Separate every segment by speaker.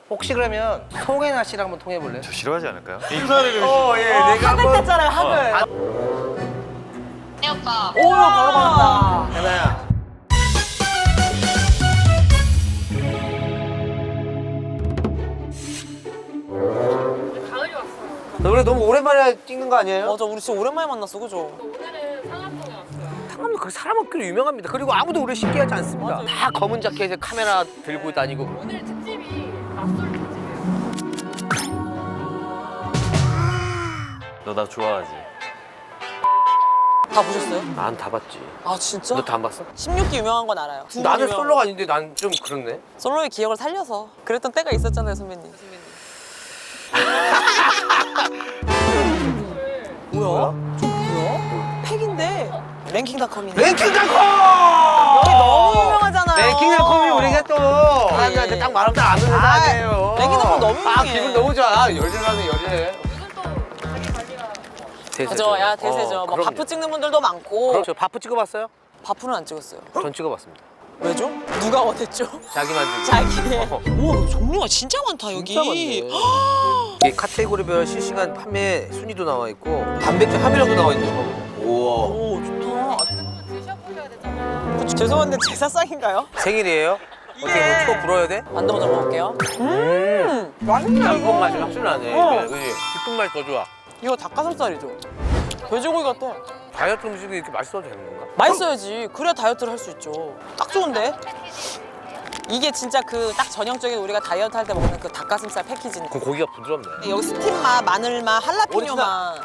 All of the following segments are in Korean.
Speaker 1: 혹시 그러면 송혜나 씨랑 한번 통해볼래요?
Speaker 2: 저 싫어하지 않을까요?
Speaker 1: 예, 내가
Speaker 3: 학을 뗐잖아요, 학을.
Speaker 4: 네 오빠.
Speaker 3: 오, 바로 받았다.
Speaker 1: 혜나야.
Speaker 4: 가을이 왔어요.
Speaker 1: 너 그래 너무 오랜만에 찍는 거 아니에요?
Speaker 3: 맞아, 우리 진짜 오랜만에 만났어, 그죠?
Speaker 4: 오늘은 상암동에 왔어요.
Speaker 1: 상암도 그 사람 없기로 유명합니다. 그리고 아무도 우리 쉽게 하지 않습니다. 다 검은 자켓에 카메라 들고 다니고.
Speaker 4: 오늘 특집이 낯설 특집이에요.
Speaker 2: 너 나 좋아하지?
Speaker 3: 다 보셨어요?
Speaker 1: 난 다 봤지.
Speaker 3: 아, 진짜?
Speaker 1: 너 다 안 봤어?
Speaker 3: 16기 유명한 건 알아요. 두분
Speaker 1: 나는
Speaker 3: 유명한
Speaker 1: 솔로가 아닌데 난 좀 그렇네.
Speaker 3: 솔로의 기억을 살려서 그랬던 때가 있었잖아요, 선배님. 뭐야? 저 뭐야? 팩인데 랭킹닷컴이네.
Speaker 1: 랭킹닷컴!
Speaker 3: 여기 너무 유명하잖아요.
Speaker 1: 랭킹닷컴이 우리가 또 사람들한테 딱 말하면 다 아는 회사 아니에요.
Speaker 3: 랭킹닷컴 너무
Speaker 1: 아
Speaker 3: 유명해.
Speaker 1: 기분 너무 좋아. 열일하네 열일해.
Speaker 4: 요즘 또 자기 관리가
Speaker 3: 그죠, 야 대세죠. 뭐 바프 찍는 분들도 많고.
Speaker 1: 그렇죠. 바프 찍어봤어요?
Speaker 3: 바프는 안 찍었어요.
Speaker 1: 전 찍어봤습니다.
Speaker 3: 왜죠? 누가 원했죠?
Speaker 1: 자기 만들기.
Speaker 3: 자기의. 우와, 종류가 진짜 많다 여기.
Speaker 1: 진짜 많네. 이게 카테고리별 실시간 판매 순위도 나와 있고 단백질 함유량도 나와 있는 거. 우와.
Speaker 3: 오, 좋다.
Speaker 4: 한번 드셔보셔야 되잖아요.
Speaker 3: 그쵸, 죄송한데 제사상인가요?
Speaker 1: 생일이에요? 어떻게 뭐 초 불어야 돼?
Speaker 3: 만두 먼저 먹을게요. 맛있네
Speaker 1: 짬뽕 맛이 확실히 나네.
Speaker 3: 어.
Speaker 1: 그지? 깊은 맛이 더 좋아.
Speaker 3: 이거 닭가슴살이죠? 돼지고기 같아.
Speaker 1: 다이어트 음식이 이렇게 맛있어도 되는 건가?
Speaker 3: 맛있어야지. 그래야 다이어트를 할 수 있죠. 딱 좋은데? 이게 진짜 그 딱 전형적인 우리가 다이어트 할 때 먹는 그 닭가슴살 패키지인데.
Speaker 1: 그 고기가 부드럽네.
Speaker 3: 여기 스팀맛, 마늘맛, 할라피뇨
Speaker 1: 오리지널.
Speaker 3: 맛.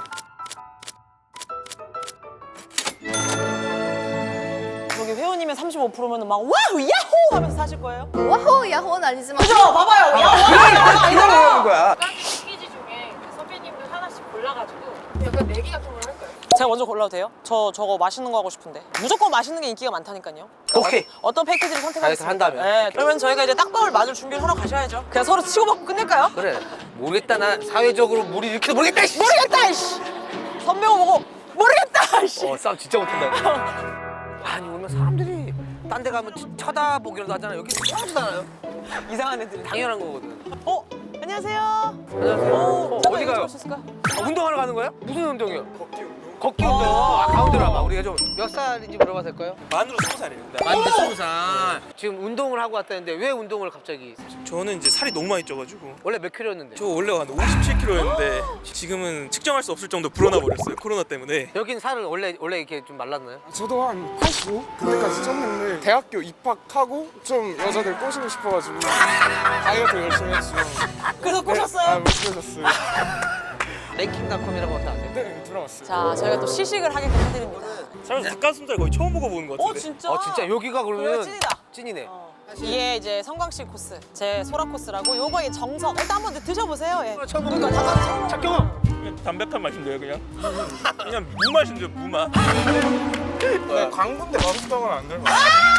Speaker 3: 여기 회원님의 35%면 막 와우 야호 하면서 사실 거예요?
Speaker 5: 와호 야호는 아니지만
Speaker 3: 그죠? 봐봐요. 야호.
Speaker 1: 이러는 거야.
Speaker 4: 약간 패키지 중에 그 선배님들 하나씩 골라가지고 약간 내기 같은 걸 할까요?
Speaker 3: 제가 먼저 골라도 돼요? 저거 맛있는 거 하고 싶은데. 무조건 맛있는 게 인기가 많다니까요.
Speaker 1: 오케이.
Speaker 3: 어떤 패키지를 선택하겠습니까?
Speaker 1: 다이어트 한다면?
Speaker 3: 네, 그러면 저희가 이제 딱밥을 맞을 준비를 하러 가셔야죠. 그냥 서로 치고받고 끝낼까요?
Speaker 1: 그래. 모르겠다. 나 사회적으로 물이 이렇게 모르겠다. 씨.
Speaker 3: 모르겠다 이씨. 선배가 보고 모르겠다 이씨.
Speaker 1: 싸움 진짜 못한다. 아니 오면 사람들이 딴 데 가면 쳐다보기라도 하잖아. 여기 쳐다보지도 않아요.
Speaker 3: 이상한 애들이.
Speaker 1: 당연한 거거든.
Speaker 3: 안녕하세요.
Speaker 1: 안녕하세요.
Speaker 3: 잠깐
Speaker 1: 어디
Speaker 3: 이거
Speaker 1: 가요?
Speaker 3: 좀 오실까요?
Speaker 1: 운동하러 가는 거예요? 무슨 운동이요? 걷기 운동. 아, 가운데로 와봐. 우리가 좀 몇 살인지 물어봐도 될까요?
Speaker 6: 만으로 20살이에요.
Speaker 1: 만지 20살. 지금 운동을 하고 왔다는데 왜 운동을 갑자기?
Speaker 6: 저는 이제 살이 너무 많이 쪄가지고
Speaker 1: 원래 몇 킬로였는데?
Speaker 6: 저 원래 한 57kg였는데 지금은 측정할 수 없을 정도 불어나 버렸어요. 코로나 때문에.
Speaker 1: 여긴 살은 원래 이렇게 좀 말랐나요?
Speaker 7: 저도 한 85? 그때까지 쪘는데 대학교 입학하고 좀 여자들 꼬시고 싶어가지고 다이어트 열심히 했죠.
Speaker 3: 그래서
Speaker 7: 네,
Speaker 3: 꼬셨어요?
Speaker 7: 못 꼬셨어요.
Speaker 1: 랭킹닷컴이라고 하면 아세요?
Speaker 7: 네, 들어봤어요.
Speaker 3: 자, 저희가 또 시식을 하게끔 해드립니다.
Speaker 6: 살면서 닭가슴살 거의 처음 먹어보는 것 같은데.
Speaker 3: 진짜?
Speaker 1: 진짜 여기가
Speaker 3: 그래,
Speaker 1: 그러면
Speaker 3: 찐이다.
Speaker 1: 찐이네.
Speaker 3: 이게 이제 성광식 코스, 제 소라 코스라고 요거의 정석. 일단 한번 드셔보세요. 예.
Speaker 1: 처음
Speaker 3: 그러니까
Speaker 1: 먹는
Speaker 3: 닭가슴살
Speaker 1: 작경아.
Speaker 6: 그냥 담백한 맛인데요, 그냥 무 맛인데요, 무 맛.
Speaker 7: 네, 광고인데 맛있다고는 안 들어봤어요.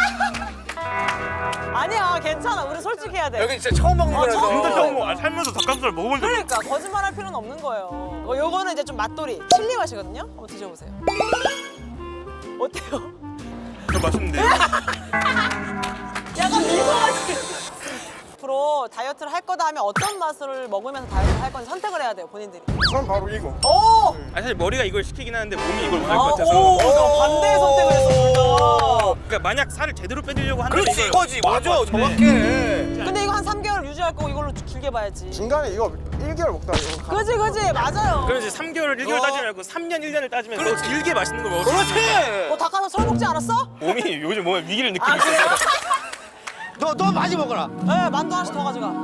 Speaker 3: 아니야, 괜찮아. 우리 솔직해야 돼.
Speaker 1: 여기 진짜 처음 먹는 거라서.
Speaker 3: 처음
Speaker 6: 진짜 처음 먹어. 살면서 닭가슴살 먹어본 적 없어요.
Speaker 3: 그러니까 거짓말할 필요는 없는 거예요. 요거는 이제 좀 맛돌이 칠리 맛이거든요. 한번 드셔보세요. 어때요?
Speaker 6: 맛있는데.
Speaker 3: 약간 미소하지. 앞으로 다이어트를 할 거다 하면 어떤 맛을 먹으면서 다이어트를 할 건지 선택을 해야 돼요, 본인들이.
Speaker 7: 전 바로 이거.
Speaker 3: 오!
Speaker 6: 사실 머리가 이걸 시키긴 하는데 몸이 이걸 원할 것 같아서.
Speaker 3: 오! 반대의 선택을 했어.
Speaker 6: 그러니까 만약 살을 제대로 빼려고 한다면
Speaker 1: 그렇지
Speaker 6: 이걸
Speaker 1: 이거지. 맞아.
Speaker 6: 먹을 것 같은데.
Speaker 1: 정확해.
Speaker 3: 근데 이거 한 3개월 유지할 거고 이걸로 길게 봐야지.
Speaker 7: 중간에 이거 1개월 먹다가 이거 가.
Speaker 3: 그지, 맞아요.
Speaker 6: 그럼 이제 3개월, 1개월 따지지 말고 3년, 1년을 따지면 더 길게 맛있는 걸 먹을 수 있어요.
Speaker 1: 그렇지.
Speaker 3: 너 닭가슴살 먹지 않았어?
Speaker 6: 몸이 요즘 몸에 위기를 느끼고
Speaker 3: 아,
Speaker 6: 있어요.
Speaker 3: 그래요?
Speaker 1: 너 많이 먹어라.
Speaker 3: 네, 만두 하나씩 더 가져가.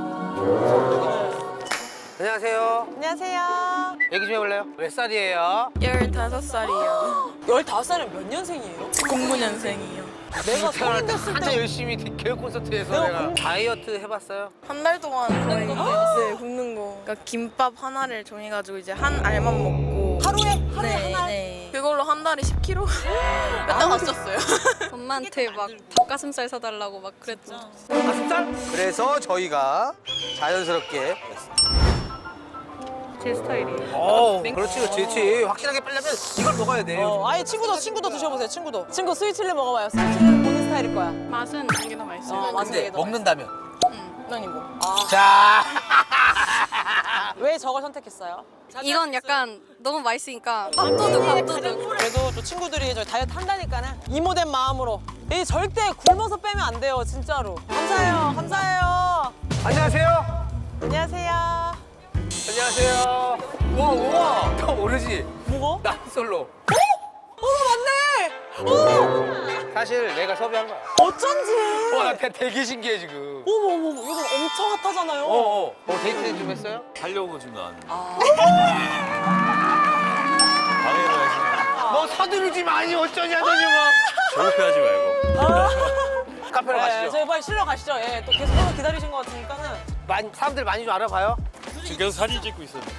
Speaker 1: 안녕하세요.
Speaker 3: 안녕하세요.
Speaker 1: 얘기 좀 해볼래요? 몇 살이에요?
Speaker 8: 15살이요.
Speaker 3: 15살이면 몇 년생이에요?
Speaker 8: 09년생이요.
Speaker 3: 내가
Speaker 1: 태어날
Speaker 3: 성인
Speaker 1: 때
Speaker 3: 됐을
Speaker 1: 한참
Speaker 3: 때
Speaker 1: 열심히 교육 콘서트에서
Speaker 3: 내가
Speaker 1: 내가 다이어트 해봤어요?
Speaker 8: 한 달 동안 거의 네, 굶는 거. 그러니까 김밥 하나를 정해가지고 이제 한 알만 먹고.
Speaker 3: 하루에
Speaker 8: 네,
Speaker 3: 하나?
Speaker 8: 네. 그걸로 한 달에 10kg? 몇달 맞췄어요. 엄마한테 막 닭가슴살 사달라고 막 그랬죠.
Speaker 1: 닭가슴살? 그래서 저희가 자연스럽게
Speaker 8: 제 스타일이에요.
Speaker 1: 그렇지. 확실하게 빼려면 이걸 먹어야 돼.
Speaker 3: 아예 친구도 드셔보세요. 친구 스위치를 먹어봐요. 스위치는 본인 스타일일 거야.
Speaker 8: 맛은 이게 더 맛있어요.
Speaker 3: 맛은
Speaker 1: 근데
Speaker 3: 되게 더
Speaker 1: 먹는다면
Speaker 3: 난 이거.
Speaker 1: 자.
Speaker 3: 왜 저걸 선택했어요?
Speaker 8: 이건 약간 너무 맛있으니까 밥도둑.
Speaker 3: 그래도 또 친구들이 저희 다이어트 한다니까는 이모된 마음으로. 이 절대 굶어서 빼면 안 돼요, 진짜로. 감사해요, 감사해요.
Speaker 1: 안녕하세요.
Speaker 3: 안녕하세요.
Speaker 1: 안녕하세요. 우와. 너 모르지?
Speaker 3: 뭐가?
Speaker 1: 난 솔로.
Speaker 3: 맞네.
Speaker 1: 사실 내가 섭외한 거야.
Speaker 3: 어쩐지.
Speaker 1: 나 되게 신기해 지금.
Speaker 3: 어머, 요즘 엄청 핫하잖아요.
Speaker 1: 데이트 좀 했어요?
Speaker 2: 하려고 지금 나왔는데.
Speaker 3: 아.
Speaker 2: 방해를 하시면
Speaker 1: 너 서두르지 마니 어쩌냐더니 뭐.
Speaker 2: 조급해하지 말고.
Speaker 1: 카페로 가시죠.
Speaker 3: 저희 빨리 실러 가시죠. 예, 또 계속 기다리신 것 같으니까는.
Speaker 1: 사람들 많이 좀 알아봐요.
Speaker 2: 지금 계속 사진 찍고 있었는데.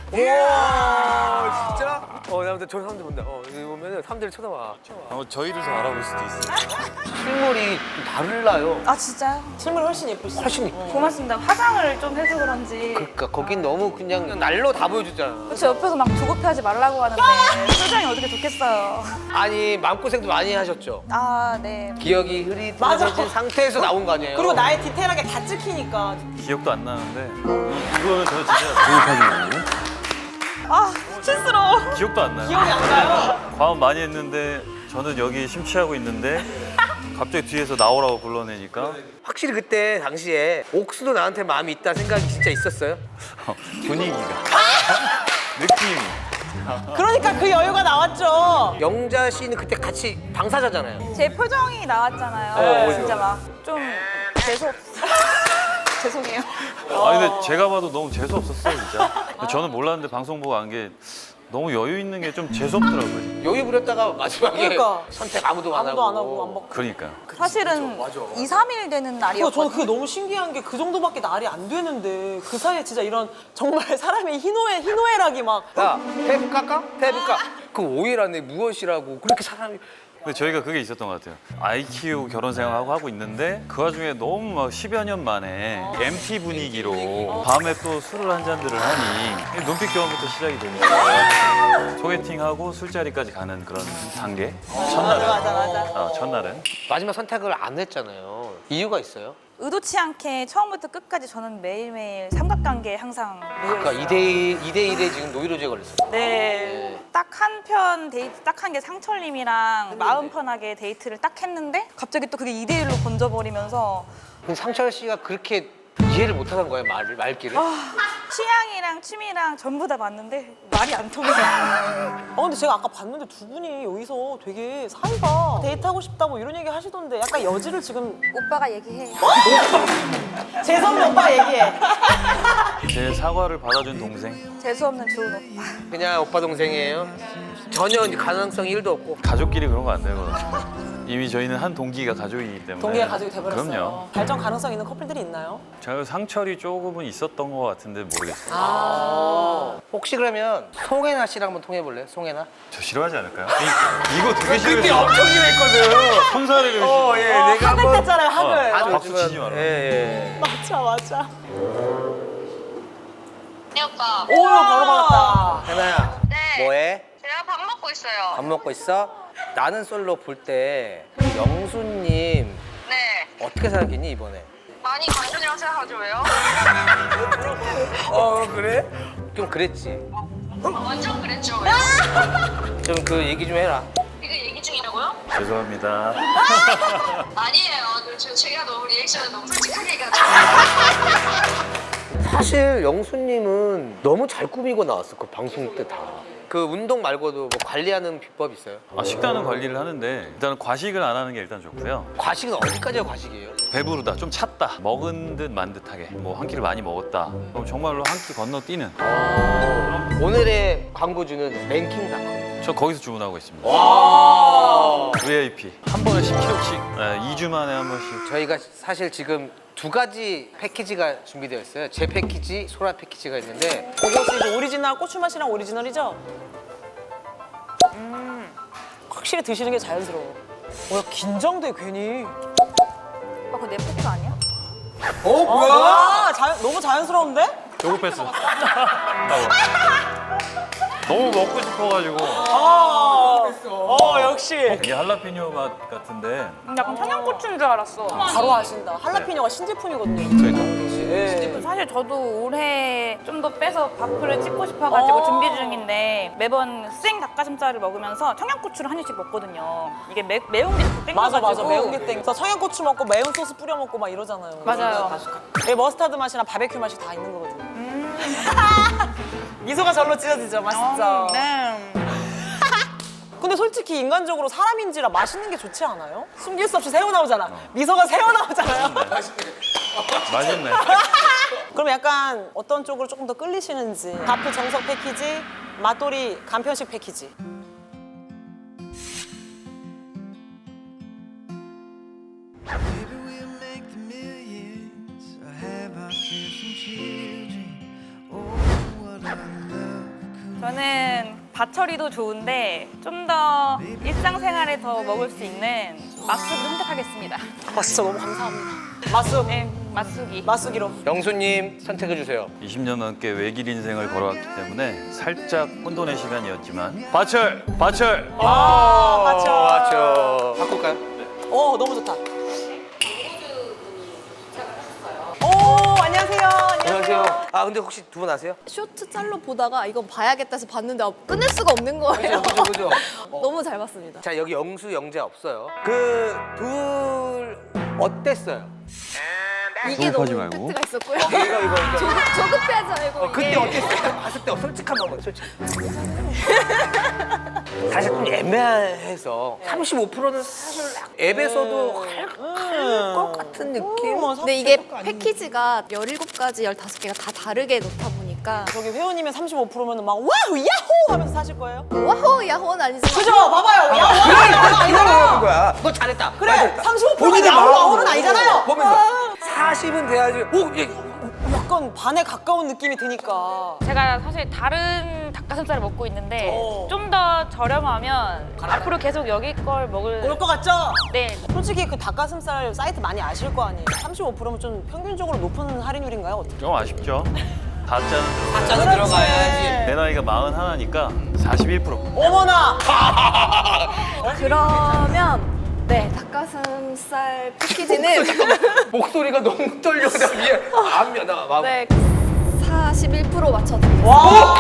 Speaker 1: 우와 진짜? 나 근데 저 사람들 본다. 여기 보면은 사람들이 쳐다봐.
Speaker 2: 저희를 더 알아볼 수도 있어요.
Speaker 1: 실물이 좀 다르나요?
Speaker 5: 아 진짜요?
Speaker 3: 실물 훨씬 예쁘시죠?
Speaker 1: 훨씬 이뻐.
Speaker 5: 고맙습니다. 화장을 좀 해서 그런지.
Speaker 1: 그러니까 거긴 너무 그냥 날로 다 보여줬잖아.
Speaker 5: 그렇죠. 옆에서 막 조급해하지 말라고 하는데 표정이 어떻게 좋겠어요.
Speaker 1: 아니 마음고생도 많이 하셨죠?
Speaker 5: 아 네.
Speaker 1: 기억이 흐릿해진 상태에서 나온 거 아니에요?
Speaker 3: 그리고 나의 디테일하게 다 찍히니까.
Speaker 2: 기억도 안 나는데 이거는 저 진짜 조급하지 않아요?
Speaker 3: 아, 수치스러워.
Speaker 2: 기억도 안 나요.
Speaker 3: 기억이 안 나요.
Speaker 2: 과음 많이 했는데 저는 여기 심취하고 있는데 갑자기 뒤에서 나오라고 불러내니까
Speaker 1: 확실히 그때 당시에 옥수도 나한테 마음이 있다 생각이 진짜 있었어요?
Speaker 2: 분위기가 느낌이
Speaker 3: 그러니까 그 여유가 나왔죠.
Speaker 1: 영자 씨는 그때 같이 당사자잖아요.
Speaker 5: 제 표정이 나왔잖아요.
Speaker 1: 어,
Speaker 5: 진짜 막 좀 재수없. 죄송해요.
Speaker 2: 아니 근데 제가 봐도 너무 재수 없었어요 진짜. 저는 몰랐는데 방송 보고 안 게 너무 여유 있는 게 좀 재수 없더라고요.
Speaker 1: 여유 부렸다가 마지막에
Speaker 3: 그러니까.
Speaker 1: 선택 아무도 안
Speaker 3: 아무도 안 하고 안 받고.
Speaker 2: 그러니까요.
Speaker 5: 사실은 2, 3일 되는
Speaker 3: 저는
Speaker 5: 날이었거든요.
Speaker 3: 그게 너무 신기한 게 그 정도밖에 날이 안 되는데 그 사이에 진짜 이런 정말 사람의 희노애락이 막.
Speaker 1: 야, 테이프 깎아? 테이프 깎아? 그 5일 안에 무엇이라고 그렇게 사람이
Speaker 2: 근데 저희가 그게 있었던 것 같아요. 아이 키우고 결혼 생활하고 하고 있는데 그 와중에 너무 막 10여 년 만에 MT 분위기로 밤에 또 술을 한 잔들을 하니 눈빛 교환부터 시작이 되니까 소개팅하고 술자리까지 가는 그런 단계. 첫날은.
Speaker 3: 맞아.
Speaker 2: 첫날은.
Speaker 1: 마지막 선택을 안 했잖아요. 이유가 있어요?
Speaker 5: 의도치 않게 처음부터 끝까지 저는 매일매일 삼각관계에 항상
Speaker 1: 그러니까 2대1에 지금 노이로제 걸렸어요.
Speaker 5: 네. 딱 한 편 데이트 딱 한 게 상철님이랑 마음 편하게 데이트를 딱 했는데 갑자기 또 그게 2대1로 번져버리면서
Speaker 1: 근데 상철 씨가 그렇게 이해를 못 하는 거예요, 말귀를?
Speaker 5: 취향이랑 취미랑 전부 다 맞는데 말이 안 통해요.
Speaker 3: 근데 제가 아까 봤는데 두 분이 여기서 되게 사이가 데이트하고 싶다 뭐 이런 얘기 하시던데 약간 여지를 지금.
Speaker 5: 오빠가 얘기해.
Speaker 3: 재성이 오빠 얘기해.
Speaker 2: 제 사과를 받아준 동생.
Speaker 5: 재수없는 좋은 오빠.
Speaker 1: 그냥 오빠 동생이에요. 전혀 이제 가능성이 1도 없고.
Speaker 2: 가족끼리 그런 거 안 되거든요. 이미 저희는 한 동기가 가족이기 때문에.
Speaker 3: 동기가 가족이 돼버렸어요.
Speaker 2: 그럼요.
Speaker 3: 발전 가능성 있는 커플들이 있나요?
Speaker 2: 제가 상철이 조금은 있었던 것 같은데 모르겠어요.
Speaker 1: 혹시 그러면 송혜나 씨랑 한번 통해볼래요? 송혜나?
Speaker 2: 저 싫어하지 않을까요? 이거 되게 싫어해요.
Speaker 1: 그때 엄청 심했거든.
Speaker 2: 손사래를
Speaker 1: 예,
Speaker 3: 학을 뗐잖아요, 학을.
Speaker 2: 박수 치지 마라.
Speaker 1: 예.
Speaker 3: 맞아.
Speaker 9: 네, 오빠.
Speaker 3: 오, 바로 받았다.
Speaker 1: 혜나야,
Speaker 9: 네.
Speaker 1: 뭐해?
Speaker 9: 제가 밥 먹고 있어요.
Speaker 1: 밥 먹고 있어? 나는 솔로 볼 때 영수님
Speaker 9: 네.
Speaker 1: 어떻게 생각했니 이번에?
Speaker 9: 많이 강준이라고 생각하죠, 왜요?
Speaker 1: 그래? 좀 그랬지.
Speaker 9: 완전 그랬죠, 왜요?
Speaker 1: 좀 그 얘기 좀 해라.
Speaker 9: 이거 얘기 중이라고요?
Speaker 2: 죄송합니다.
Speaker 9: 아니에요. 제가 너무 리액션을 너무 솔직하게 해가지고.
Speaker 1: 사실 영수님은 너무 잘 꾸미고 나왔어 그 방송 때 다. 그 운동 말고도 뭐 관리하는 비법 있어요?
Speaker 2: 식단은 관리를 하는데 일단은 과식을 안 하는 게 일단 좋고요.
Speaker 1: 과식은 어디까지가 과식이에요?
Speaker 2: 배부르다, 좀 찼다, 먹은 듯 만 듯하게 뭐 한 끼를 많이 먹었다. 그럼 정말로 한 끼 건너뛰는.
Speaker 1: 오늘의 광고주는 랭킹닷컴.
Speaker 2: 저 거기서 주문하고 있습니다.
Speaker 1: 와.
Speaker 2: VIP 한 번에 10kg씩 2주 만에 한 번씩.
Speaker 1: 저희가 사실 지금 두 가지 패키지가 준비되어 있어요. 제 패키지, 소라 패키지가 있는데
Speaker 3: 그것이 이제 오리지널 고추맛이랑 오리지널이죠? 확실히 드시는 게 자연스러워. 뭐야, 긴장돼 괜히.
Speaker 5: 오빠 그거 내 포트 아니야?
Speaker 3: 뭐야? 너무 자연스러운데?
Speaker 2: 조급했어. 너무 먹고 싶어가지고.
Speaker 3: 역시.
Speaker 2: 이게 할라피뇨 맛 같은데
Speaker 5: 약간 청양고추인 줄 알았어.
Speaker 3: 바로 아신다. 할라피뇨가 신제품이거든요.
Speaker 1: 저희 강민 씨
Speaker 3: 예.
Speaker 5: 사실 저도 올해 좀 더 빼서 밥풀을 찍고 싶어가지고 준비 중인데 매번 생 닭가슴살을 먹으면서 청양고추를 한 입씩 먹거든요. 이게 매운 게 자꾸 땡겨가지고.
Speaker 3: 맞아 매운 게 땡. 그래서 청양고추 먹고 매운 소스 뿌려 먹고 막 이러잖아요.
Speaker 5: 맞아요.
Speaker 3: 이 머스타드 맛이랑 바베큐 맛이 다 있는 거거든요. 미소가 절로 찢어지죠, 맛있죠.
Speaker 5: 네.
Speaker 3: 근데 솔직히 인간적으로 사람인지라 맛있는 게 좋지 않아요? 숨길 수 없이 새우 나오잖아. 미소가 새우 나오잖아요.
Speaker 2: 맛있네.
Speaker 3: 그럼 약간 어떤 쪽으로 조금 더 끌리시는지. 바프 정석 패키지, 맛돌이 간편식 패키지.
Speaker 5: 저는 밭처리도 좋은데 좀 더 일상생활에 더 먹을 수 있는 맛술을 선택하겠습니다.
Speaker 3: 아 진짜 너무 감사합니다. 맛쑥.
Speaker 5: 네, 맛술이.
Speaker 3: 맛쑥이로.
Speaker 1: 영수님 선택해 주세요.
Speaker 2: 20년 넘게 외길 인생을 걸어왔기 때문에 살짝 혼돈의 시간이었지만 바철! 바철!
Speaker 1: 맞죠. 바꿀까요?
Speaker 3: 너무 좋다. 오, 안녕하세요.
Speaker 1: 안녕하세요. 아 근데 혹시 두 분 아세요?
Speaker 8: 쇼트 짤로 보다가 이건 봐야겠다 해서 봤는데 끝낼 수가 없는 거예요.
Speaker 1: 그죠.
Speaker 8: 너무 잘 봤습니다.
Speaker 1: 자 여기 영수 영재 없어요. 그 둘 어땠어요?
Speaker 8: 이게 너무 임팩트가 있었고요.
Speaker 1: 이거.
Speaker 8: 조급해하지 말고
Speaker 1: 그때
Speaker 8: 이게.
Speaker 1: 어땠어요? 봤을 때 솔직한 거 솔직. 사실 좀 애매해서 35%는 사실 앱에서도 할 것 같은 느낌.
Speaker 8: 근데 이게 패키지가 17가지, 15개가 다 다르게 놓다 보니까
Speaker 3: 저기 회원님의 35%면 막 와우 야호 하면서 사실 거예요?
Speaker 8: 와호 야호는 아니지만
Speaker 3: 그죠? 봐봐요. 야호
Speaker 1: 이러는 거야. 너 잘했다.
Speaker 3: 그래. 35%가
Speaker 1: 본인의
Speaker 3: 야호
Speaker 1: 마음으로
Speaker 3: 야호는 아니잖아요.
Speaker 1: 보면서 40은 돼야지.
Speaker 3: 약간 반에 가까운 느낌이 드니까.
Speaker 5: 제가 사실 다른 닭가슴살을 먹고 있는데 좀 더 저렴하면 앞으로 계속 여기 걸 먹을.
Speaker 3: 그럴 것 같죠?
Speaker 5: 네.
Speaker 3: 솔직히 그 닭가슴살 사이트 많이 아실 거 아니에요? 35%면 좀 평균적으로 높은 할인율인가요? 어떻게?
Speaker 2: 좀 아쉽죠? 다짜는 들어가요.
Speaker 1: 짜는 들어가야지.
Speaker 2: 내 나이가 41이니까 41%.
Speaker 3: 어머나!
Speaker 8: 그러면 네 닭가슴살 패키지는
Speaker 1: 목소리가 너무 떨려. 나 위에 안면 나 막.
Speaker 8: 네 41% 맞춰드리겠습니다.
Speaker 3: 와!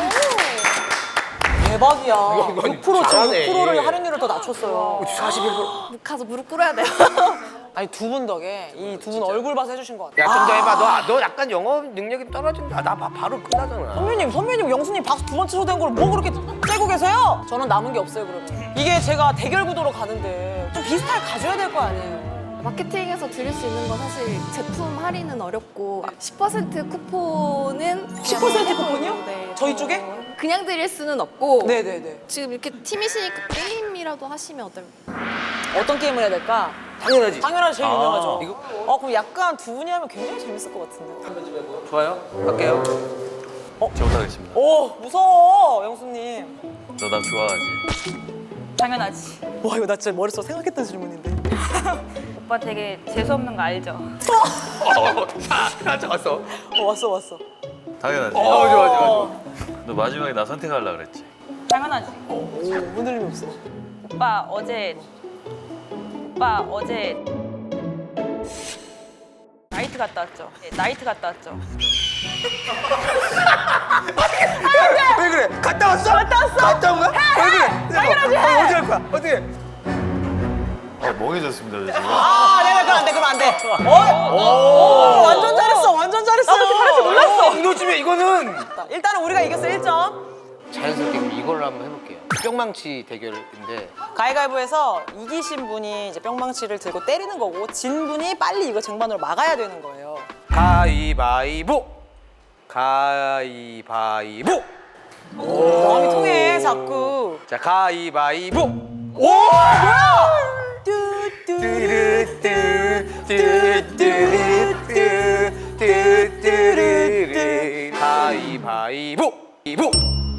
Speaker 3: 대박이야.
Speaker 1: 이거
Speaker 3: 6%
Speaker 1: 잘하네.
Speaker 3: 6%를 할인율을 더 낮췄어요.
Speaker 1: 41%.
Speaker 8: 가서 무릎 꿇어야 돼요.
Speaker 3: 아니 두 분 덕에 이 두 분 얼굴 봐서 해주신 것 같아요.
Speaker 1: 야 좀 더 해봐. 너 약간 영어 능력이 떨어진다. 나 바로 끝나잖아.
Speaker 3: 선배님, 영수님 박수 두 번 치셔도 걸 뭐 그렇게 째고 계세요? 저는 남은 게 없어요, 그러면. 이게 제가 대결 구도로 가는데 좀 비슷하게 가져야 될 거 아니에요?
Speaker 8: 마케팅에서 드릴 수 있는 건 사실 제품 할인은 어렵고 10% 쿠폰은
Speaker 3: 10% 쿠폰이요?
Speaker 8: 네,
Speaker 3: 저희 쪽에?
Speaker 8: 그냥 드릴 수는 없고
Speaker 3: 네네네.
Speaker 8: 지금 이렇게 팀이시니까 게임이라도 하시면 어떨까요?
Speaker 3: 어떤 게임을 해야 될까?
Speaker 1: 당연하지.
Speaker 3: 당연하지, 제일 유명하죠.
Speaker 1: 이거?
Speaker 3: 그럼 약간 두 분이 하면 굉장히 재밌을 것 같은데.
Speaker 1: 좋아요. 갈게요.
Speaker 2: 저 못하겠습니다.
Speaker 3: 오, 무서워, 영수님.
Speaker 2: 너 나 좋아하지?
Speaker 5: 당연하지.
Speaker 3: 와, 이거 나 진짜 머릿속 생각했던 질문인데.
Speaker 5: 오빠 되게 재수없는 거 알죠?
Speaker 1: 왔어.
Speaker 3: 왔어.
Speaker 2: 당연하지.
Speaker 1: 좋아.
Speaker 2: 너 마지막에 나 선택하려고 그랬지?
Speaker 5: 당연하지.
Speaker 3: 오, 흔들림이 없어.
Speaker 5: 오빠 어제 나이트 갔다 왔죠? 네, 나이트 갔다 왔죠?
Speaker 1: 왜 그래? 갔다 왔어? 갔다 온 거야? 왜 그래? 당연하지. 어디 갈 거야? 어떻게?
Speaker 2: 멍해졌습니다, 저 지금.
Speaker 3: 그럼 안 돼. 완전 잘했어. 나도 이렇게 잘할지 몰랐어.
Speaker 1: 이 노즘에 이거는
Speaker 3: 일단은 우리가 이겼어, 1점.
Speaker 1: 자연스럽게 그럼 이걸로 한번 해볼게요. 뿅망치 대결인데
Speaker 3: 가위바위보에서 이기신 분이 이제 뿅망치를 들고 때리는 거고 진 분이 빨리 이거 쟁반으로 막아야 되는 거예요.
Speaker 1: 가위바위보. 가위바위보.
Speaker 3: 마음이 통해 자꾸.
Speaker 1: 자 가위바위보.
Speaker 3: 오! 뭐야?
Speaker 1: 가위바위보. 이보.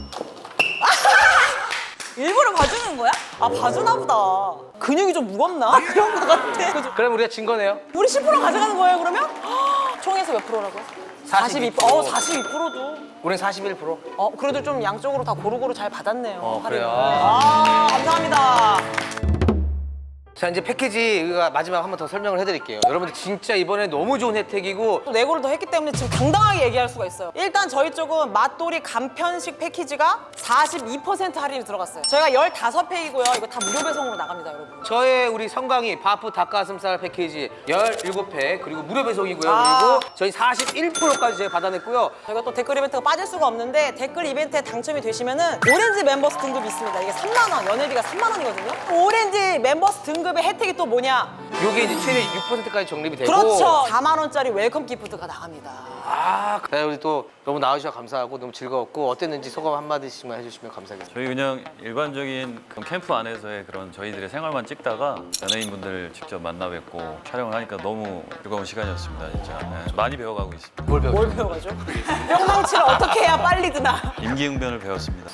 Speaker 3: 일부러 봐주는 거야? 봐주나 보다. 근육이 좀 무겁나? 그런 거 같아. 그죠?
Speaker 1: 그럼 우리가 진 거네요.
Speaker 3: 우리 10% 가져가는 거예요, 그러면? 총에서 몇 프로라고요?
Speaker 1: 42%.
Speaker 3: 42%도.
Speaker 1: 우린 41%.
Speaker 3: 그래도 좀 양쪽으로 다 고루고루 잘 받았네요.
Speaker 1: 그래요.
Speaker 3: 감사합니다.
Speaker 1: 자 이제 패키지가 마지막 한 번 더 설명을 해드릴게요. 여러분들 진짜 이번에 너무 좋은 혜택이고
Speaker 3: 또 내고를 더 했기 때문에 지금 당당하게 얘기할 수가 있어요. 일단 저희 쪽은 맛돌이 간편식 패키지가 42% 할인이 들어갔어요. 저희가 15팩이고요. 이거 다 무료 배송으로 나갑니다, 여러분.
Speaker 1: 저의 우리 성강이 바프 닭가슴살 패키지 17팩 그리고 무료 배송이고요.
Speaker 3: 아.
Speaker 1: 그리고 저희 41%까지 제가 받아냈고요.
Speaker 3: 저희가 또 댓글 이벤트가 빠질 수가 없는데 댓글 이벤트에 당첨이 되시면은 오렌지 멤버스 등급이 있습니다. 이게 3만 원, 연회비가 3만 원이거든요. 오렌지 멤버스 등급의 혜택이 또 뭐냐?
Speaker 1: 요게 이제 최대 6%까지 적립이 되고
Speaker 3: 그렇죠. 4만 원짜리 웰컴 기프트가 나갑니다.
Speaker 1: 아, 네, 우리 또 너무 나와주셔서 감사하고 너무 즐거웠고 어땠는지 소감 한마디씩만 해주시면 감사하겠습니다.
Speaker 2: 저희 그냥 일반적인 그런 캠프 안에서의 그런 저희들의 생활만 찍다가 연예인분들 직접 만나 뵙고 촬영을 하니까 너무 즐거운 시간이었습니다. 진짜 네, 많이 배워가고 있습니다.
Speaker 1: 뭘 배웠죠?
Speaker 3: 뭘 배워가죠? 뿅망치를 어떻게 해야 빨리 드나?
Speaker 2: 임기응변을 배웠습니다.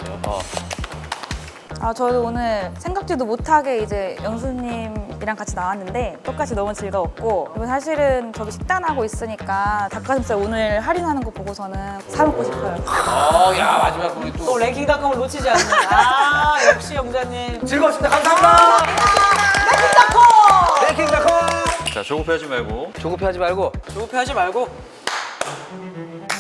Speaker 5: 저도 오늘 생각지도 못하게 이제 영수님이랑 같이 나왔는데 똑같이 너무 즐거웠고 그리고 사실은 저도 식단하고 있으니까 닭가슴살 오늘 할인하는 거 보고서는 사 먹고 싶어요.
Speaker 1: 야 마지막 우리
Speaker 3: 또
Speaker 1: 또
Speaker 3: 랭킹닷컴을 놓치지 않는 아 역시 영자님.
Speaker 1: 즐거웠습니다. 감사합니다.
Speaker 3: 랭킹닷컴!
Speaker 1: 랭킹닷컴
Speaker 2: 자, 조급해하지 말고
Speaker 1: 조급해하지 말고
Speaker 3: 조급해하지 말고